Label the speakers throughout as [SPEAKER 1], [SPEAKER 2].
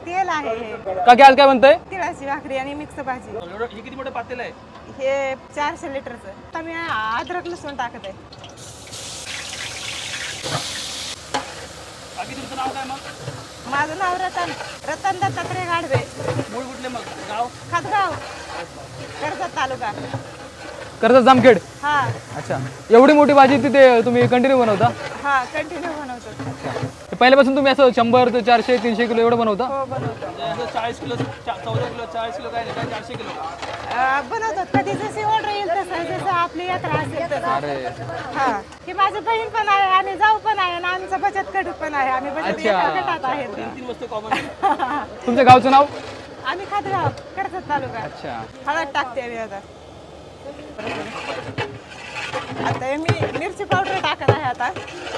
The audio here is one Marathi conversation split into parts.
[SPEAKER 1] तेल आहे हे.
[SPEAKER 2] काकी आज काय म्हणताय?
[SPEAKER 1] तिळाची भाकरी आणि मिक्स भाजी.
[SPEAKER 3] हे किती मोठं पातेल आहे?
[SPEAKER 1] हे 400 लिटरचं. आता मी अद्रक लसूण टाकत आहे.
[SPEAKER 3] बाकी तुमचं नाव काय मग?
[SPEAKER 1] माझं नाव रतन दत्तात्रय गाढवे.
[SPEAKER 3] मूळ कुठले मग गाव?
[SPEAKER 1] खातगाव, कर्जत तालुका.
[SPEAKER 2] कर्जत जामखेड.
[SPEAKER 1] हा
[SPEAKER 2] अच्छा, एवढी मोठी भाजी तिथे तुम्ही कंटिन्यू बनवता?
[SPEAKER 1] हा कंटिन्यू बनवतो.
[SPEAKER 2] ते पहिल्यापासून तुम्ही असं 100 ते 400 300 किलो एवढं बनवता?
[SPEAKER 1] हो बनवतो.
[SPEAKER 3] म्हणजे असं 40 किलो 14 किलो 40 किलो काय नाही काय 400 किलो.
[SPEAKER 1] बनवतात. कधी जशी ऑर्डर येईल तसं, जसं आपली यात्रा असेल तसं.
[SPEAKER 2] अरे
[SPEAKER 1] हा, ही माझी बहीण पण आहे आणि जाऊ पण आहे आणि आमचं बचत गट पण आहे. आम्ही बचत
[SPEAKER 2] अच्छा.
[SPEAKER 1] गटात आहेत.
[SPEAKER 3] 3 वस्तू कॉमन.
[SPEAKER 2] तुमच्या गावचं नाव?
[SPEAKER 1] आम्ही खातगाव, कर्जत तालुका.
[SPEAKER 2] अच्छा.
[SPEAKER 1] हळद टाकते आम्ही आता. आता हे मी मिरची पावडर टाकत आहे आता.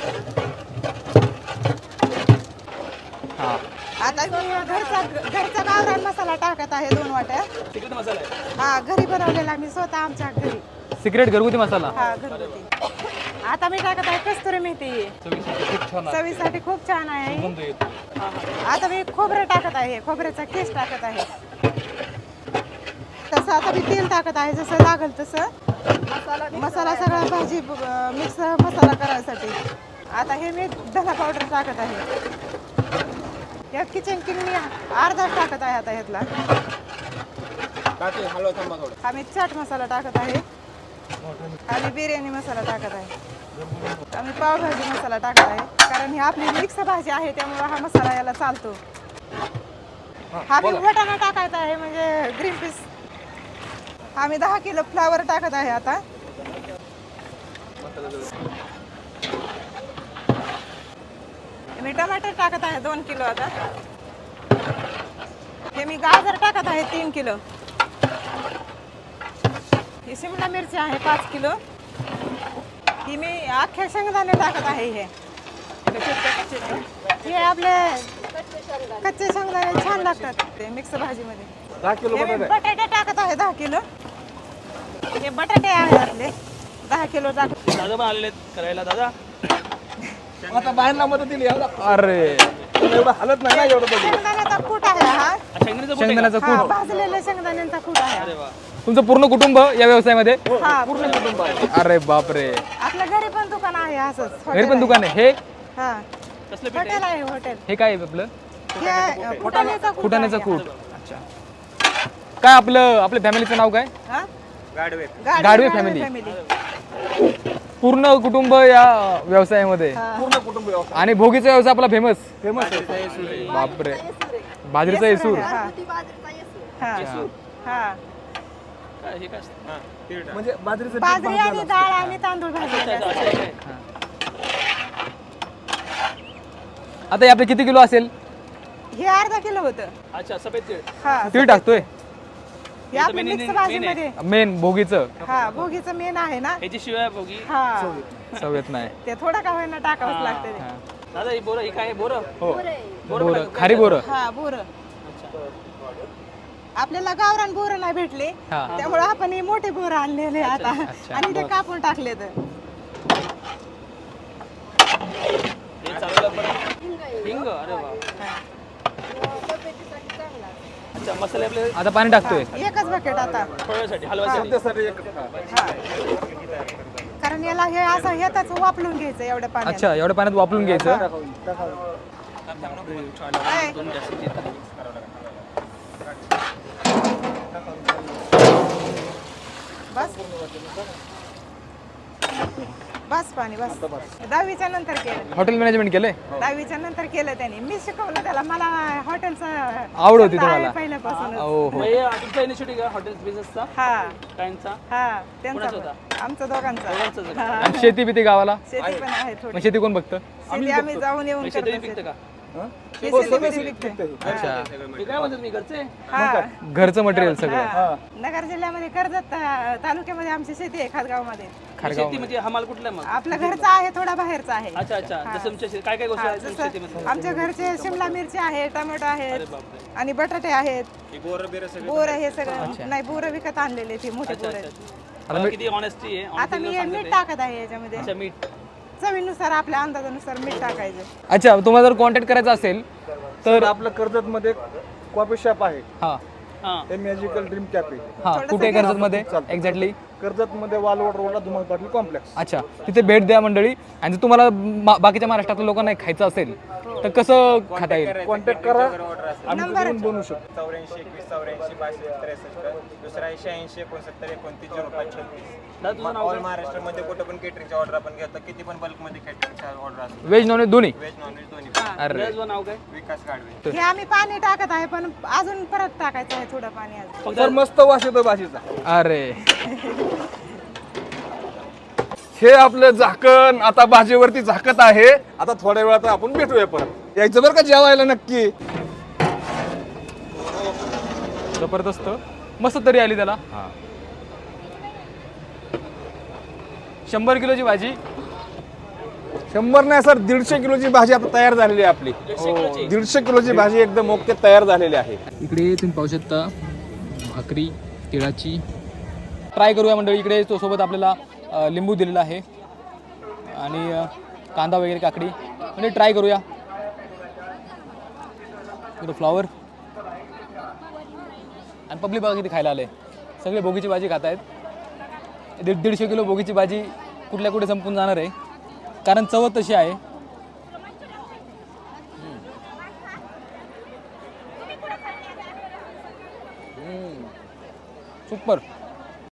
[SPEAKER 2] हां.
[SPEAKER 1] आता मी घरचा गावरान मसाला टाकत आहे 2 वाट्या.
[SPEAKER 3] सिक्रेट मसाला आहे.
[SPEAKER 1] हा, घरी बनवलेला मी स्वतः आमच्या घरी.
[SPEAKER 2] सिक्रेट घरगुती मसाला.
[SPEAKER 1] हा, घरगुती. आता मी टाकत आहे कस्तुरी मेथी. चवीसाठी खूप छान आहे. आता मी खोबरं टाकत आहे. खोबऱ्याचा केस टाकत आहे. तसं आता मी तेल टाकत आहे, जसं लागल तसं. मसाला सगळा भाजी मिक्स मसाला करायसाठी. आता हे मी धना पावडर टाकत आहे. या किचन किंग मी अर्धा टाकत आहे आता ह्यातला. आम्ही चाट मसाला टाकत आहे. आम्ही बिर्याणी मसाला टाकत आहे. आम्ही पावभाजी मसाला टाकत आहे, कारण ही आपली मिक्स भाजी आहे त्यामुळे हा मसाला याला चालतो. हा मी वाटाणा टाकायचा आहे, म्हणजे ग्रीन पीस. आम्ही 10 किलो फ्लावर टाकत आहे आता. मी टमाटर टाकत आहे 2 किलो आता. हे मी गाजर टाकत आहे 3 किलो. ही शिमला मिरची आहे 5 किलो. ही मी अख्ख्या शेंगदाणे टाकत आहे. हे आपले कच्चे शेंगदाणे छान लागतात ते मिक्स भाजीमध्ये.
[SPEAKER 2] 10 किलो
[SPEAKER 1] हे मी बटाटे टाकत आहे 10 किलो. हे बटाटे आहे आपले 10 किलो टाकत.
[SPEAKER 3] दादा पण आलेले आहेत करायला. दादा
[SPEAKER 2] आता बाहेरला मदत दिली. अरे एवढं हालत नाही ना एवढं.
[SPEAKER 1] शेंगदाण्याचा कूट आहे हा.
[SPEAKER 2] शेंगदाण्याचा
[SPEAKER 1] हा,
[SPEAKER 2] कूट.
[SPEAKER 1] भाजलेला शेंगदाण्यांचा कूट आहे.
[SPEAKER 3] अरे वा.
[SPEAKER 2] तुमचं पूर्ण कुटुंब या व्यवसायामध्ये?
[SPEAKER 1] हा, पूर्ण कुटुंब आहे.
[SPEAKER 2] अरे बापरे.
[SPEAKER 1] आपल्या घरी पण दुकान आहे असंच.
[SPEAKER 2] घरी पण दुकान आहे? हे
[SPEAKER 1] हा,
[SPEAKER 3] कसलं पीठ
[SPEAKER 1] हॉटेल आहे हॉटेल.
[SPEAKER 2] हे काय आहे आपलं?
[SPEAKER 1] हे फुटाण्याचा कूट.
[SPEAKER 2] फुटाण्याचं कूट. अच्छा. काय आपल्या फॅमिलीचं नाव काय?
[SPEAKER 1] हा?
[SPEAKER 2] गाढवे फॅमिली. पूर्ण कुटुंब या व्यवसायामध्ये.
[SPEAKER 1] पूर्ण
[SPEAKER 2] कुटुंब. आणि भोगीचा व्यवसाय आपला फेमस बापरे. बाजरीचा येसूर.
[SPEAKER 1] हा. हा. हा.
[SPEAKER 3] हे काय असतं?
[SPEAKER 2] म्हणजे
[SPEAKER 1] बाजरी आणि डाळ आणि तांदूळ भाजलेले असतात.
[SPEAKER 2] आता हे आपले किती किलो असेल?
[SPEAKER 1] हे अर्धा किलो होतं.
[SPEAKER 3] अच्छा, सफेद तीळ.
[SPEAKER 1] हा,
[SPEAKER 2] तीळ टाकतोय
[SPEAKER 1] हे आपल्या मिक्स भाजीमध्ये.
[SPEAKER 2] मेन भोगीचं.
[SPEAKER 1] हा, भोगीचं मेन आहे ना.
[SPEAKER 3] ह्याची शिवाय भोगी.
[SPEAKER 1] हा,
[SPEAKER 2] सवयत नाही.
[SPEAKER 1] ते थोडं का होईना टाकावंच लागतं ते.
[SPEAKER 3] दादा ही बोरं ही काय आहे? बोरं?
[SPEAKER 2] बोरं, खारी बोरं.
[SPEAKER 1] हा, बोरं. आपल्याला गावरान बोरं नाही भेटले,
[SPEAKER 2] हा.
[SPEAKER 1] त्यामुळे आपण हे मोठे बोरं आणलेले आता आणि ते कापून टाकले. तर
[SPEAKER 3] हे चालवलं परत. हिंग. अरे वा. अच्छा, मसाले आपले
[SPEAKER 2] आता पाणी टाकतोय.
[SPEAKER 1] एकच बकेट आता.
[SPEAKER 3] फळासाठी हलवासाठी.
[SPEAKER 1] हा, कारण याला हे असं येताच वापरून घ्यायचं एवढ्या पाण्यात.
[SPEAKER 2] अच्छा, एवढ्या पाण्यात वापरून घ्यायचं.
[SPEAKER 1] काय? बस बस पाणी बस. 10वीच्या नंतर केलं.
[SPEAKER 2] हॉटेल मॅनेजमेंट केलंय?
[SPEAKER 1] 10वीच्या नंतर केलं त्याने. मी शिकवलं त्याला. मला हॉटेलचं
[SPEAKER 2] आवड होती
[SPEAKER 1] छंद आहे
[SPEAKER 2] तुम्हाला?
[SPEAKER 1] पहिल्यापासून.
[SPEAKER 2] हो
[SPEAKER 3] मग हे तुमचा इनिशिएटिव्ह का हॉटेल बिझनेसचा?
[SPEAKER 1] हा
[SPEAKER 3] कायचा?
[SPEAKER 1] हा, त्यांचा
[SPEAKER 3] कोणाचा
[SPEAKER 1] पण. आमचा दोघांचा.
[SPEAKER 3] दोघांचाच आहे.
[SPEAKER 1] हा.
[SPEAKER 2] आणि शेती बिती गावाला?
[SPEAKER 1] शेती पण आहे
[SPEAKER 2] मग
[SPEAKER 1] थोडी.
[SPEAKER 2] शेती कोण बघतं?
[SPEAKER 1] शेती आम्ही जाऊन येऊन
[SPEAKER 3] शेती
[SPEAKER 1] करतो.
[SPEAKER 3] पिकतं का?
[SPEAKER 1] हे शेतीमध्ये विकते.
[SPEAKER 2] अच्छा.
[SPEAKER 3] मी काय म्हणतात मी घरचे?
[SPEAKER 1] हा.
[SPEAKER 2] घरचं मटेरियल सगळं.
[SPEAKER 1] हा. नगर जिल्ह्यामध्ये कर्जत तालुक्यामध्ये आमची शेती आहे खातगावमध्ये.
[SPEAKER 3] शेती म्हणजे हमाल कुठला मग?
[SPEAKER 1] आपला घरचा आहे, थोडा बाहेरचा आहे.
[SPEAKER 3] अच्छा अच्छा. जसं तुमच्या काय काय गोष्टी आहेत तुमच्या शेतीमध्ये?
[SPEAKER 1] जसं आमच्या घरचे शिमला मिरची आहे, टोमॅटो आहेत
[SPEAKER 3] बापरे.
[SPEAKER 1] आणि बटाटे आहेत. बोर हे सगळं नाही, बोर विकत आणलेले ते मोठे बोर आहेत.
[SPEAKER 3] आता किती ऑनेस्टी आहे.
[SPEAKER 1] आता मी हे मीठ टाकत आहे याच्यामध्ये.
[SPEAKER 3] अच्छा, मीठ.
[SPEAKER 1] चवीनुसार आपल्या अंदाजानुसार मीठ टाकायचं.
[SPEAKER 2] अच्छा, तुम्हाला जर कॉन्टॅक्ट करायचा असेल तर
[SPEAKER 4] आपलं कर्जतमध्ये कॉफी शॉप आहे,
[SPEAKER 2] हां
[SPEAKER 4] हे मॅजिकल ड्रीम कॅफे.
[SPEAKER 2] हां कुठे कर्जतमध्ये एक्झॅक्टली?
[SPEAKER 4] कर्जतमध्ये वालवड रोडला धुमाळ पाटील कॉम्प्लेक्स.
[SPEAKER 2] अच्छा, तिथे भेट द्या मंडळी. आणि जर तुम्हाला बाकीच्या महाराष्ट्रातल्या लोकांना खायचं असेल तर कसं खाता येईल?
[SPEAKER 4] कॉन्टॅक्ट करा, आम्ही तिथून बनवू शकतो.
[SPEAKER 5] 84 21 84 62 63. दुसरा आहे 86 69 29 05 36. ऑल महाराष्ट्रामध्ये कुठं पण केटरिंगची ऑर्डर आपण घेतो, किती पण बल्कमध्ये केटरिंगची ऑर्डर असतो.
[SPEAKER 2] व्हेज नॉनव्हेज दोन्ही?
[SPEAKER 5] व्हेज नॉनव्हेज दोन्ही.
[SPEAKER 2] अरे
[SPEAKER 3] तुझं नाव काय?
[SPEAKER 5] विकास गाडवे.
[SPEAKER 1] हे आम्ही पाणी टाकत आहे, पण अजून परत टाकायचं आहे थोडं पाणी अजून.
[SPEAKER 4] तर मस्त वास येतो भाजीचा.
[SPEAKER 2] अरे
[SPEAKER 4] हे आपलं झाकण आता भाजीवरती झाकत आहे. आता थोड्या वेळात आपण भेटूया परत. यायचं बरं का जेवायला नक्की.
[SPEAKER 2] जबरदस्त, मस्त तरी आली त्याला. 100 किलोची भाजी.
[SPEAKER 4] 100 नाही सर, 150 किलोची भाजी आता तयार झालेली आहे आपली. 150 किलोची भाजी एकदम ओके तयार झालेली आहे.
[SPEAKER 2] इकडे तुम्ही पाहू शकता भाकरी तिळाची. ट्राय करूया मंडळी. इकडे तो सोबत आपल्याला लिंबू दिलेला आहे आणि कांदा वगैरे काकडी, म्हणजे ट्राय करूया. इकडे फ्लॉवर आणि पब्लिक बघा किती खायला आले. सगळे बोगीची भाजी खात आहेत. 150 किलो बोगीची भाजी कुठल्या कुठे संपून जाणार आहे, कारण चव तशी आहे. सुपर.